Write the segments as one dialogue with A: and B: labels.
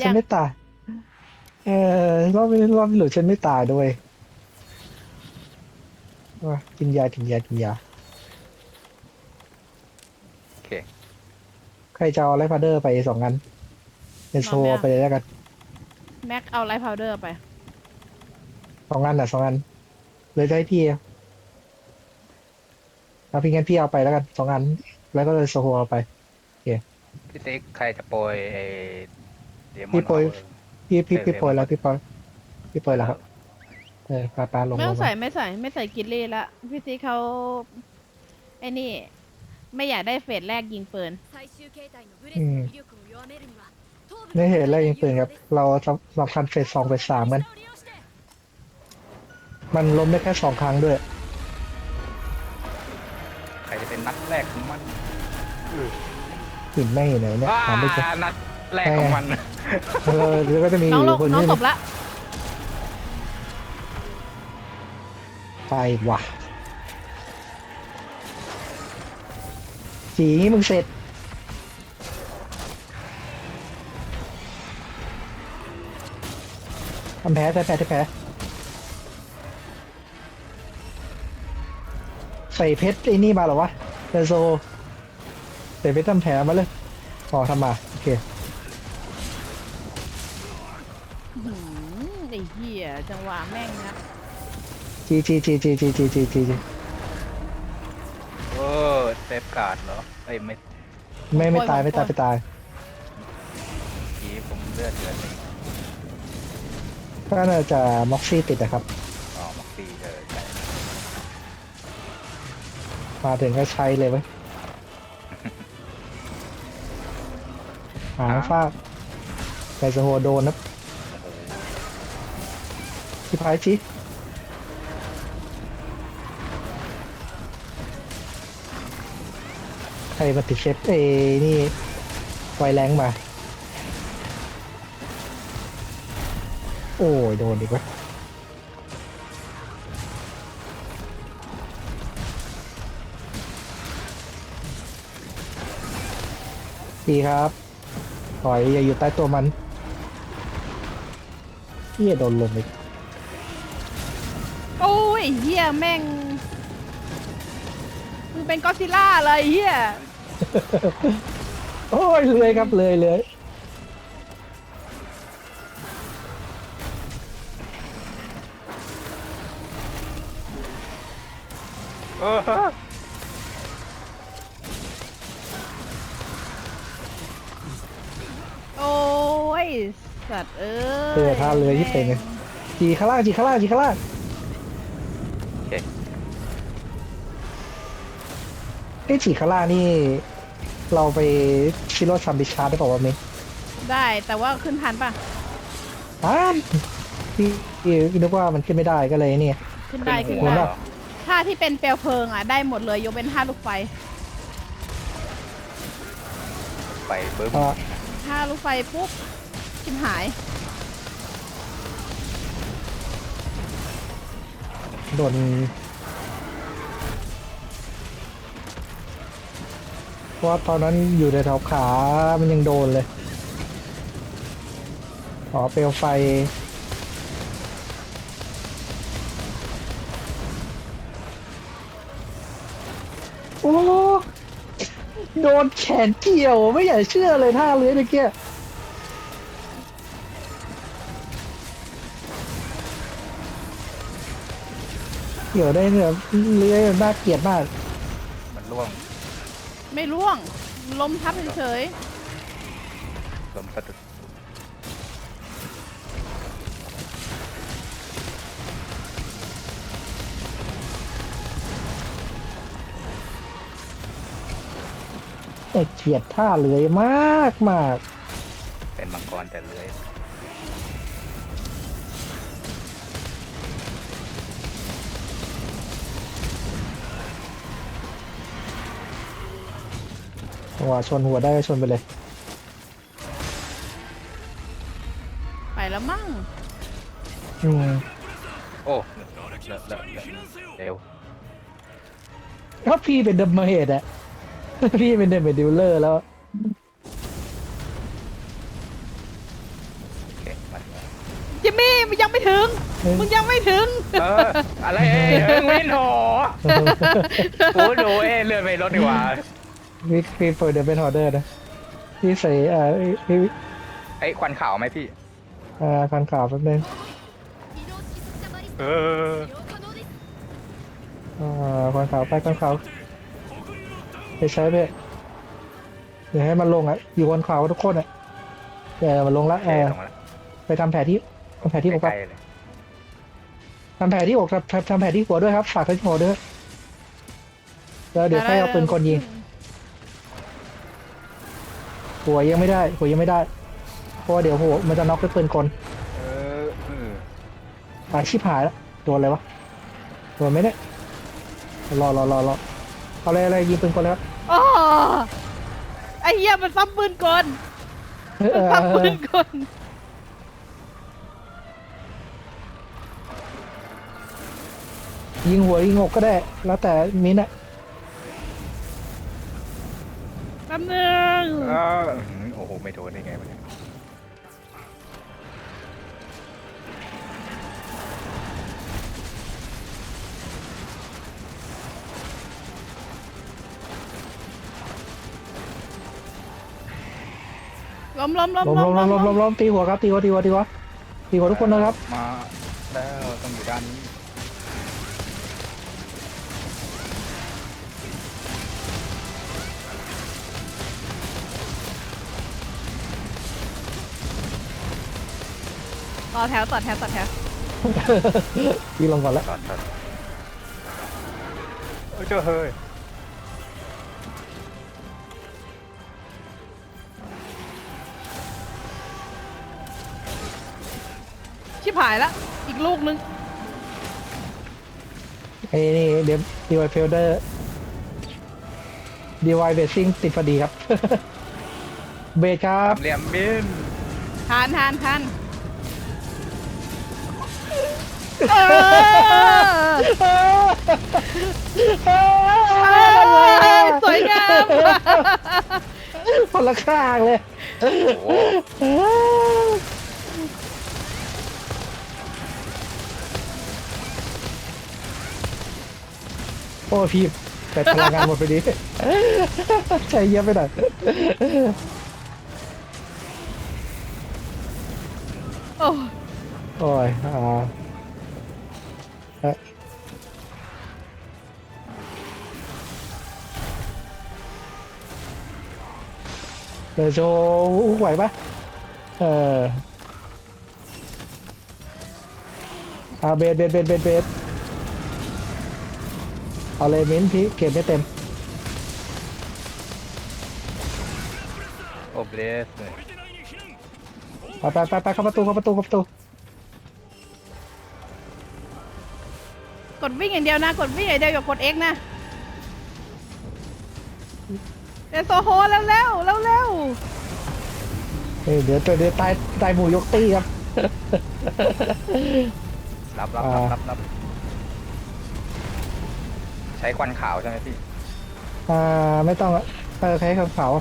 A: ฉันไม่ตายรอบนี้หลุดฉันไม่ตายด้วยว่ากินยา
B: โอเค
A: ใครจะเอาไลฟ์พาเดอร์ไป2 อันเป็นโซ
C: มาไหมอะ
A: ไปเลยแล้วกัน
C: แม็กเอาไลท์พาวเดอร์ไป
A: 2 อัน2 อันเลยจะให้พี่เอาพี่งั้นพี่เอาไปแล้วกัน2 อันแล้วก็เลยโซโฮเอาไปโอเค
B: พี่ติ๊กใครจะโปรยไอ้เดมอ
A: พี่โปรย
B: นพาวเวอร์
A: พี่โปรยแล้วพี่โปรยแล้วครับ
B: เออ
A: ปลาลง
C: ไม่ต้อง
A: ลงมา
C: ไม่ใส่กิลลี่ละพี่ซีเขาไอ้นี่ไม่อยากได้เฟสแรกยิงปืน
A: อืมไม่เห็นแล้วยิงปืนครับเราสำคัญเฟส 2เฟส 3กันมันล้มได้แค่2 ครั้งด้วย
B: ใครจะเป็นนัดแรกของมัน
A: หินแม่งอยู่ไหนเนี่ยหาไม่เจอ
B: นัดแรกของมัน
A: แล้วก็จะมี
C: น้อง
A: อ
C: ล
A: ยู่
C: ง
A: คน
C: น้อง
A: นี้
C: ตบละ
A: ไปว่ะจีมึงเสร็จทำแผลใส่เพชรไอ้นี่มาเหรอวะเดโซใส่เพชรทำแผลมาเลยอ๋อทำมาโอเค
C: ไอ้เหี้ยจังหวะแม่งนะ
A: จี
B: โอ้เซฟการ์ดเหรอเอ้ยไม่
A: ไม่ตายไปตาย
B: ผีผมเลือดเลย
A: ก็น่าจะม็อกซี่ติดนะครับ
B: อ๋อมักซีเลยใช่
A: มาถึงก็ใช้เลยเว้ยหางฟาดไก่สโฮโดนนะที่พายจีใครมาติดเชฟนี่ไวแรงมา โอ้ยโดนอีกวะดีครับถอยอย่าอยู่ใต้ตัวมันเฮียโดนลมอีก
C: โอ้ยไอ้เหี้ยแม่งมึงเป็นก็อดซิลล่าเลยไอ้เหี้ย
A: โอ้ยเลยครับเลย
B: เออ
C: โอ้ยสัตว์
A: ท่าเรือที่เป็นไงจีข้างล่าง
B: โอเค
A: ไอ้จีข้างล่างนี่เราไปชิโร่ซัมบิชาร์ได้บอกว่าวะเมย์
C: ได้แต่ว่าขึ้นทันป่ะ
A: พี่นึกว่ามันขึ้นไม่ได้ก็เลยเนี่ย
C: ขึ้นได้ขึ้น
A: หัว
C: ได้
A: หน้า
C: ท่าที่เป็นเปลวเพลิงอ่ะได้หมดเลยยกเป็นท่าลูกไฟ
B: ไปเบิ้ม
C: ท่าลูกไฟปุ๊บชิมหาย
A: โดนเพราะว่าตอนนั้นอยู่ในแถวขามันยังโดนเลยอ๋อเปลวไฟโอ้โดนแขนเกี่ยวไม่อยากเชื่อเลยท่าเลื้อยเมื่อกี้เกี่ยวได้เนี่ยเลื้อยน่าเกลียดมาก
B: มันล่วง
C: ไม่ร่วงล้มทับเฉย
B: ลมสะดุด
A: แต่เกลียดท่าเลื้อยมาก
B: เป็นมังกรแต่เลื้อย
A: จังหวะชนหัวได้ก็ชนไปเลย
C: ๆไปแล้วมั่ง
A: อืม
B: โอ้เร็ว
A: ถ้าพี่เป็นเดมเมจอะ พี่เป็นเดมเมจดิวเลอร์แล้ว
B: มันเนี่ย
C: จิมมี่มึงยังไม่ถึง มึงยังไม่ถึง
B: อะไรวินโหกูดูเลื่อนไปรถดีกว่า
A: พี่เปิดเดี๋ยวเป็นออเดอร์นะพี่ใส่พี่
B: ไอ้ควันขาวไหมพี่
A: คันข่าวแป๊บนึง
B: เออ
A: คันข่าวไปคันข่าวไปใช้ไปเดี๋ยวให้มันลงอ่ะอยู่บนข่าวทุกคนอ่ะเดี๋ยวมันลงละ
B: เทลงมาแล้ว
A: ไปทำแผลที่อกไป
B: ใกล้ๆเลย
A: ทำแผลที่อกทำแผลที่หัวด้วยครับฝากที่หัวด้วยแล้วเดี๋ยวค่อยเอาปืนกลยิงหัวยังไม่ได้เพราะว่าเดี๋ยวหัวมันจะน็อกด้วยปืนกล
B: เออ
A: ชิบหายแล้วโดนอะไรวะโดนไหมเนี่ยรอเอาอะไรยิงปืนกลแล้ว
C: อ๋อไอ้เหี้ยมันซ้ำปืนกลมันซ้ำปืนกล
A: ยิงหัวยิงอกก็ได้ แล้วแต่มิ้นท์อะ
C: แป๊บนึง
B: โอ้โหไม่โดนได้ไงวะเนี่ย
C: ล้ม
A: ล้มตีหัวครับตีหัวทุกคนนะครับ
B: มาแล้วต้องอยู่ด้านนี้
C: ต่อแถว
A: พี่ลงก่อนแล้ว
B: ตัดเจ้าเฮ้ย
C: ชิบหายละอีกลูกนึง
A: ไอ้นี่เดี๋ยวดีไวเฟลเดอร์ดีไวเบสซิ่งติดพอดีครับ เบสครับ
B: เหลี่ยมบิน
C: ทานเออสวยงาม
A: คนละข้างเลย
B: โอ้โห
A: โอ้พี่แต่พลังงานหมดไปดี ใจเย็นไปหน่อย
C: โอ้
A: โอ้ยเดี๋ยวโชว์ไหวปะเบสเอาเลยมิ้นพี่เก็บไม่เต็ม
B: โอ้เบสเลย
A: ไปเข้าประตู
C: กดวิ่งอย่างเดียวนะ กดวิ่งอย่างเดียวอย่ากด X นะเดี๋ยวโซโฮเร็ว
A: เดี๋ยวตายหมูยกตี้ครับ
B: รับใช้ควันขาวใช่ไหมพี่
A: ไม่ต้องใช้ขาว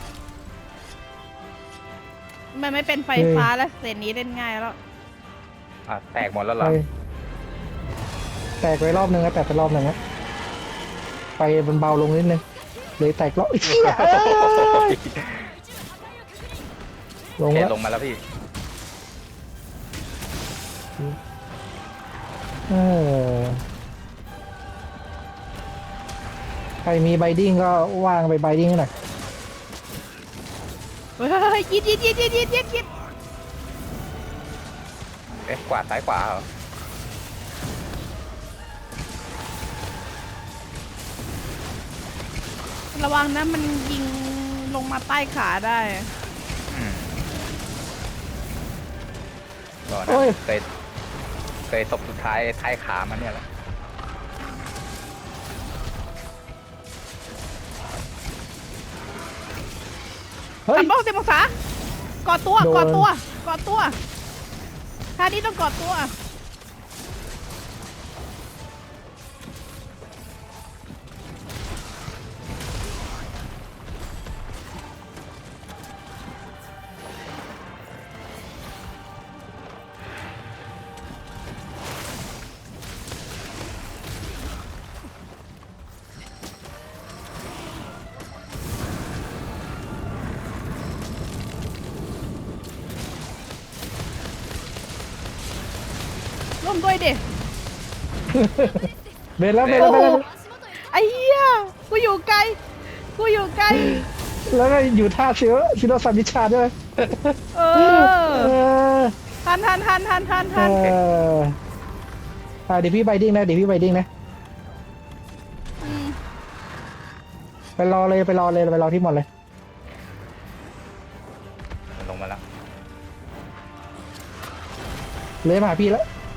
C: มันไม่เป็นไฟฟ้าแล้วเซนนี้เล่นง่ายแล้ว
B: แตกหมดแล้วเหรอ
A: แตกไปรอบนึงแล้วแตกไปรอบนึงแล้วไฟมันเบาลงนิดนึงเลยแตกรอบเชี่ยลง
B: เท
A: แล้ว
B: ลงมาแล้วพี่
A: ใครมีไบดิ้งก็ว่างไปไบดิ้งหน่อย
C: เฮ้ยยิด
B: ขวาซ้ายขวาเหรอ
C: ระวังนะมันยิงลงมาใต้ขาได้
B: รอนะเคยศพสุดท้ายท้ายขามันเนี่ยแหละ
A: เฮ้ย
C: ทำบ้อง10 องศากอดตัว
A: โดน
C: ท่านี้ต้องกอดตัวร่วมด้วยดิ
A: เบนแล้วเบนแล้วเบนแล้ว
C: ไอ้เหี้ยกูอยู่ไกลกูอยู่ไกล
A: แล้วก็อยู่ท่าชิโรซามิชาด้วย
C: เอ
A: เอ
C: อ
A: อ
C: ทัน
A: เออเดี๋ยวพี่ไบดิ้งนะเดี๋ยวพี่ไบดิ้งนะ
C: ม
A: ไปรอเลยไปรอเลยไปรอที่หมดเลย
B: มันลงมาแล้ว
A: เลยมาหาพี่แล้ว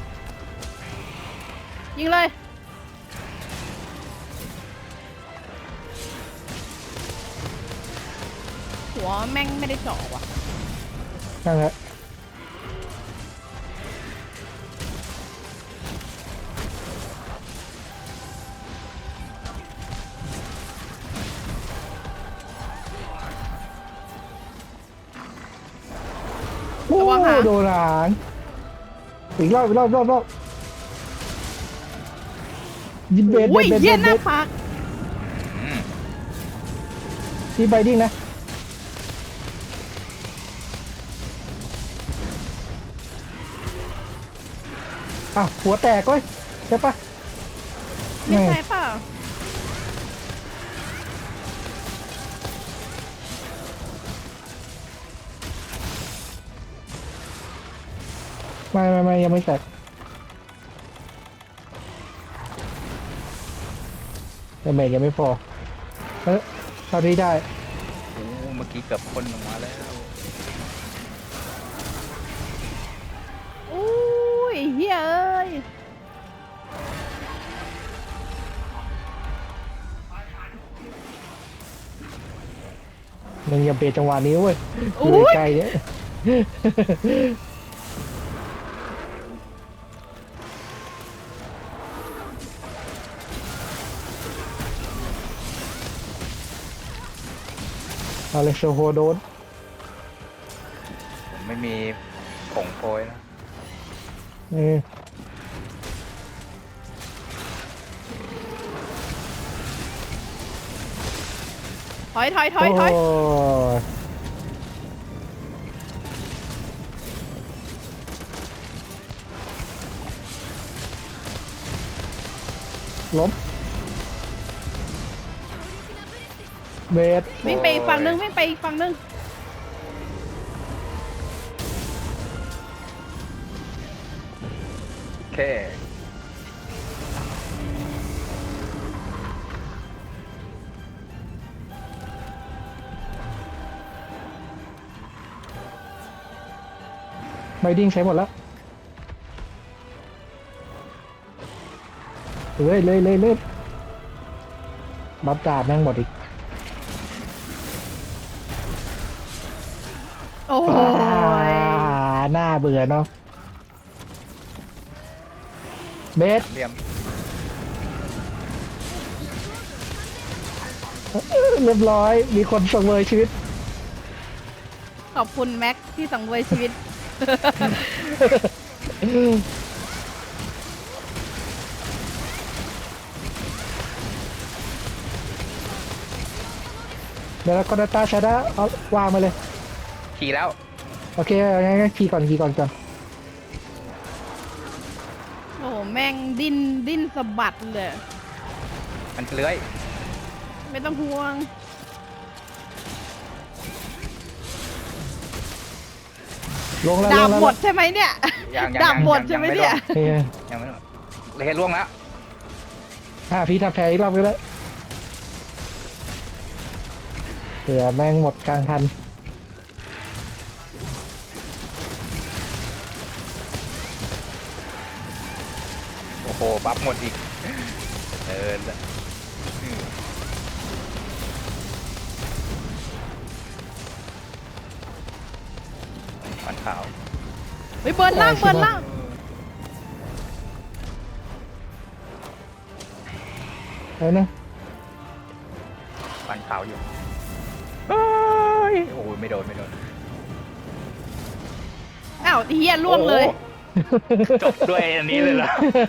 C: ยิงเลยหัวแม่งไม่ได้เจาะว่ะ
A: นั่นแหละโอ้โดนหางอีกรอบยิงเบส
C: อุ้ย
A: เบส
C: เหี้ยห
A: เบ
C: น้า
A: ส
C: ผาก
B: อืม
A: พี่ไบดิ้งนะอ้าวหัวแตกเว้ยใช่ปะ
C: ไม่ใช่เปล่า
A: ไม่ยังไม่แตกแต่เมจยังไม่พอเท่าที่ได้
B: โอ้เมื่อกี้เกือบพ่นลงมาแล้ว
C: อุ้ยเฮ้ยเอ้ย
A: มึงอย่าเบรจังหวะนี้เว้ยอ
C: อุ้
A: ยู่
C: ย
A: ไกลๆเนี่ยเอาเลยโชโฮโดน
B: ผมไม่มีผงโปรยนะ
A: เออ
C: ถอย
A: โอ้ยล้มเบส
C: วิ่งไปอีกฝั่งนึงวิ่งไปอีกฝั่งนึง
B: โอเค
A: ไบดิ้งใช้หมดแล้วเลยบัฟดาบแม่งหมดอีก
C: โอ้ย
A: หน้าเบื่อเนาะเบส
B: เหลี่ยม
A: เรียบร้อยมีคนสังเวยชีวิต
C: ขอบคุณแม็กที่สังเวยชีวิต
A: เดี๋ยวเราก็ดาต้าชาด้าเอาวางมาเลย
B: ขี่แล้ว
A: โอเคงั้นขี่ก่อนก่อน
C: โอ้โหแม่งดิ้นสะบัดเลย
B: มันเลื้อย
C: ไม่ต้องห่วง
A: ลงแล้ว
C: ดาบ
A: ลงแล้ว
C: หมดใช่ไหมเนี่ย
B: ยัง
C: ดาบหมดใช่ไหมเนี่ย
A: เฮ้ย
B: ยังไม่หมดเลยล่วงแล้ว
A: พี่ทำแพ้อีกรอบก็ได้เผื่อแม่งหมดกลางทัน
B: โอ้โหบัฟหมดอีกเออฟันขาว
C: เฮ้ยเบิร์นล่าง
A: เอานะ
B: ฟันขาวอยู่เฮ้ยโอ้ยไม่โดน
C: อ้าวเฮียล่วงเลย
B: โอ้จบด้วยอันนี้เลยเหรอ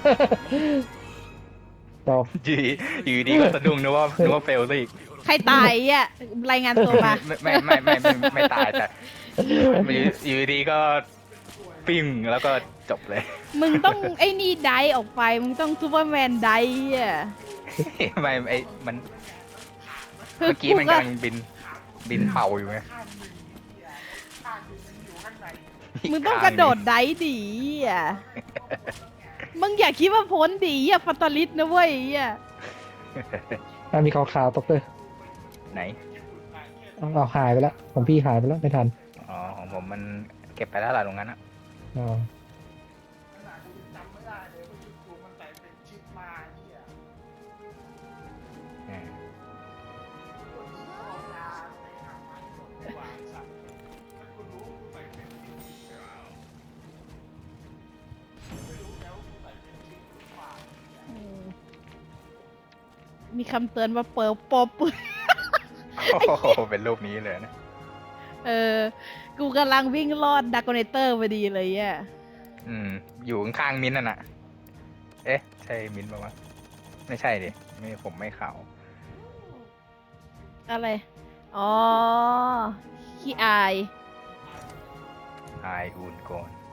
A: จบ
B: อยู่ดีก็สะดุ้งนึกว่าเฟลซะอีก
C: ใครตายอ่ะรายงานตัวมา
B: ไม่ตายแต่อยู่ดีก็ปิ้งแล้วก็จบเลย
C: มึงต้องไอ้นี่ไดออกไป มึงต้องซูเปอร์แมนไดอ่ะ
B: ไม่ไอ้มัน
C: คือ
B: เมื่อกี้มันกำลังบินเป่าอยู่ไง
C: มึงต้องกระโดดไดดีอ่ะ มึงอย่าคิดว่าพ้นดีอ่ะฟัตตาลิสนะเว้ยอ่ะ
A: มีขาวๆตกเลย
B: ไหน
A: เอาหายไปแล้วของพี่หายไปแล้วไม่ทัน
B: อ๋อของผมมันเก็บไปแล้วล่ะตรงนั้นอ่ะ
A: อ๋อ
B: อืม
C: มีคำเตือนว่าเปิดปบ
B: โอ้โหเป็นรูปนี้เลยนะ
C: เออ กูกำลังวิ่งลอดดักโกเนเตอร์พอดีเลยอ่ะ
B: อยู่ข้างๆมิ้นท์น่ะนะเอ๊ะ ใช่มิ้นท์ปะวะไม่ใช่ดิไม่ผมไม่ขาว
C: อะไร อ๋อขี้อาย
B: อายอูนก่อน